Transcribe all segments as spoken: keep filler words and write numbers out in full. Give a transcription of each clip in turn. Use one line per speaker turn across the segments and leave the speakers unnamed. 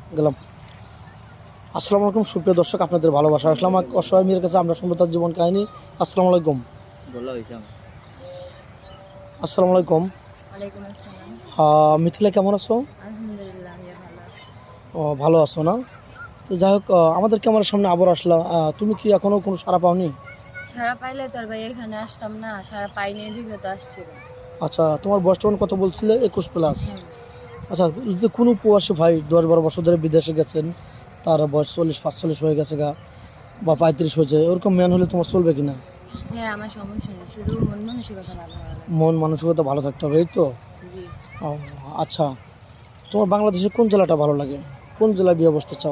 গেলাম। আসসালামু আলাইকুম সুপ্রিয় দর্শক, আপনাদের ভালোবাসা আসলাম এক অসহায় মেয়ের কাছে আমরা শুনবো তার জীবন কাহিনী। আসসালামু আলাইকুম।
বলা হয়েছে আমার।
আসসালামু আলাইকুম।
ওয়ালাইকুম আসসালাম।
আহ, মিথিলা কেমন আছো?
আলহামদুলিল্লাহ আমি ভালো আছি।
ও, ভালো আছো না? তো যাই হোক, আহ, আমাদের ক্যামেরার সামনে আবার আসলা, আহ, তুমি কি এখনো কোনো সাড়া পাওনি?
সারা পাইলে তোর ভাই এখানে আসতাম না, সারা পাইনি এদিকে তো আসছিল।
আচ্ছা, তোমার বয়স তখন কত বলছিলে? একুশ প্লাস।
হ্যাঁ
আচ্ছা, যদি কোনো প্রবাসী ভাই দশ বারো বছর ধরে বিদেশে গেছেন, তার বয়স চল্লিশ পাঁচচল্লিশ হয়ে গেছে গা, বা পঁয়ত্রিশ হয়েছে, ওরকম ম্যান হলে তোমার চলবে কিনা?
হ্যাঁ আমার সমস্যা নেই, শুধু মন মানসিকতা ভালো হওয়া লাগে।
মন মানসিকতা ভালো থাকতে হবে, এই তো।
জি।
ও, আচ্ছা, তোমার বাংলাদেশের কোন জেলাটা ভালো লাগে? কোন জেলায় বিয়ে বসতে চাও?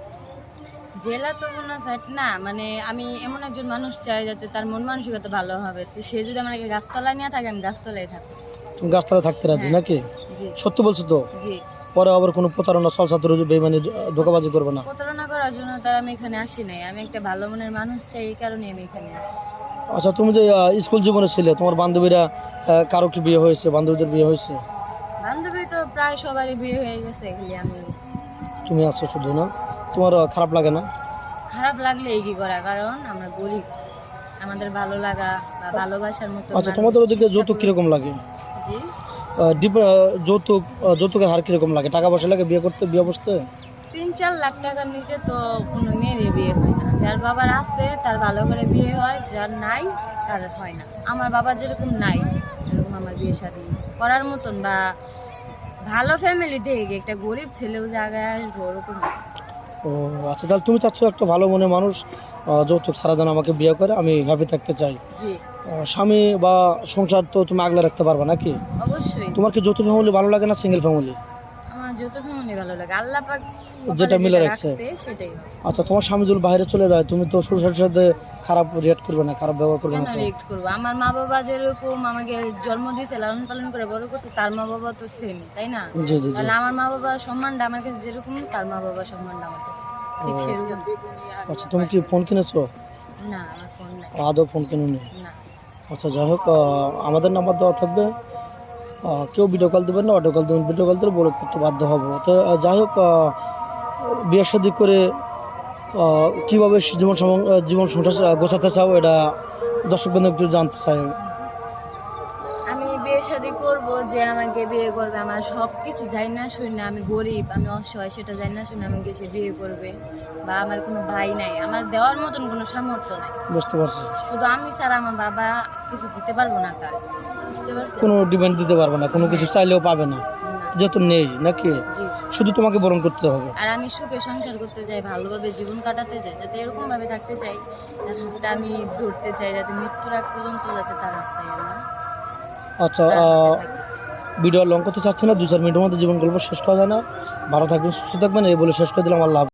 জেলা তো কোনো ফ্যাট না, মানে আমি এমন একজন মানুষ চাই যাতে তার মন মানসিকতা ভালো হবে, তো সে যদি আমাকে গাছতলায় নিয়ে থাকে আমি গাছতলায় থাকবো।
তুমি গাছতলায় থাকতে রাজি
হ্যাঁ।
নাকি?
জি
সত্যি বলছো তো?
জি।
পরে আবার কোনো প্রতারণা সলসাতুর বেমানি ধোকাবাজি করবে না?
প্রতারণা করার জন্য তার আমি এখানে আসি নাই, আমি একটা ভালো মনের মানুষ চাই, এই কারণে আমি এখানে আসছি।
আচ্ছা, তুমি যে আহ, স্কুল জীবনে ছিলে, তোমার বান্ধবীরা আহ, কারো কি বিয়ে হয়েছে? বান্ধবীদের বিয়ে হয়েছে?
বান্ধবী তো প্রায় সবারই বিয়ে হয়ে গেছে, খালি আমি।
তুমি আছো শুধু না? তোমার আহ, খারাপ লাগে না?
খারাপ লাগলে এই কি করা, কারণ আমরা গরিব, আমাদের ভালো লাগা বা ভালোবাসার মতো
আচ্ছা,
মানুষ
তোমাদের ওদিকে
ইচ্ছা
যৌতুক
করলে-
কিরকম লাগে?
জি।
আহ, ডিপ- আহ, যৌতুক আহ, যৌতুকের হার কিরকম লাগে? টাকা পয়সা লাগে বিয়ে করতে, বিয়ে বসতে?
তিন চার লাখ টাকার নিচে তো কোনো মেয়েরই বিয়ে হয় না। যার বাবার আছে তার ভালো করে বিয়ে হয়, যার নাই তার হয় না। আমার বাবা যেরকম নাই, এরকম আমার বিয়ে শাদী করার মতন বা ভালো ফ্যামিলি থেকে একটা গরিব ছেলেও জায়গায় আসবো ওরকম না।
ও আচ্ছা, তাহলে তুমি চাচ্ছ একটা ভালো মনে মানুষ আহ, যৌতুক ছাড়া যেন আমাকে বিয়ে করে, আমি হ্যাপি থাকতে চাই।
জি
আহ, স্বামী বা সংসার তো তুমি আগলে রাখতে পারবা নাকি?
অবশ্যই।
তোমার কি যৌথ ফ্যামিলি ভালো লাগে না সিঙ্গেল ফ্যামিলি?
আমার যত ফ্যামিলি ভালো লাগে, আল্লাহ পাক
যেটা
কপালে
মিলে
যেটা
রাখছে।
রাখছে সেটাই হবে।
আচ্ছা, তোমার স্বামী যদি বাইরে চলে যায়, তুমি তো শ্বশুর শাশুড়ির সাথে খারাপ রিয়াক্ট করবে না, খারাপ ব্যবহার করবে
কেন
না তো?
রিয়েক্ট করবো? আমার মা বাবা যেরকম আমাকে জন্ম দিয়েছে, লালন পালন করে বড় করছে, তার মা বাবা তো সেম, তাই না?
জি জি জি।
তাহলে আমার মা বাবা সম্মানটা আমার কাছে যেরকম, তার মা বাবা সম্মানটা আমার কাছে ঠিক
ও।
সেরকম।
আচ্ছা, তুমি কি ফোন কিনেছো?
না আমার ফোন নাই।
আদৌ ফোন কিনুনি?
না।
আচ্ছা, যাই হোক, আহ, আমাদের নাম্বার দেওয়া থাকবে, আহ, কেউ ভিডিও কল দেবেন না, অডিও কল দেবেন। ভিডিও কল দিলে বলে করতে বাধ্য হবো। তো আহ, যাই হোক, আহ, বিয়ে শাদী করে আহ, কিভাবে জীবন সম- আহ, জীবন সংসার আহ, গোছাতে চাও, এটা দর্শক বন্ধু একটু জানতে চাই।
আমি বিয়ে শাদী করব, যে আমাকে বিয়ে করবে আমার সব কিছু যাই না শুনি না, আমি গরিব আমি অসহায় সেটা যাই না শুনে আমাকে সে বিয়ে করবে, বা আমার কোনো ভাই নাই, আমার দেওয়ার মতন কোনো সামর্থ্য নাই।
বুঝতে পারছি।
শুধু আমি ছাড়া আমার বাবা কিছু দিতে পারবো না তার, বুঝতে পারছেন?
কোনো ডিমান্ড দিতে পারবে না, কোনো কিছু চাইলেও পাবে না,
না।
যেহেতু নেই নাকি?
জি।
শুধু তোমাকে বরণ করতে হবে।
আর আমি সুখে সংসার করতে চাই, ভালোভাবে জীবন কাটাতে চাই, যাতে এরকম ভাবে থাকতে চাই, তার হাতটা আমি ধরতে চাই, যাতে মৃত্যুর আগ পর্যন্ত যাতে তার হাতটাই আমার
আচ্ছা,
তার হাতে
আহ,
থাকে।
ভিডিও লং করতে চাচ্ছি না, দু চার মিনিটের মধ্যে জীবন গল্প শেষ করা যায় না। ভালো থাকবেন, সুস্থ থাকবেন, এই বলে শেষ করে দিলাম। আল্লাহ হাফেজ।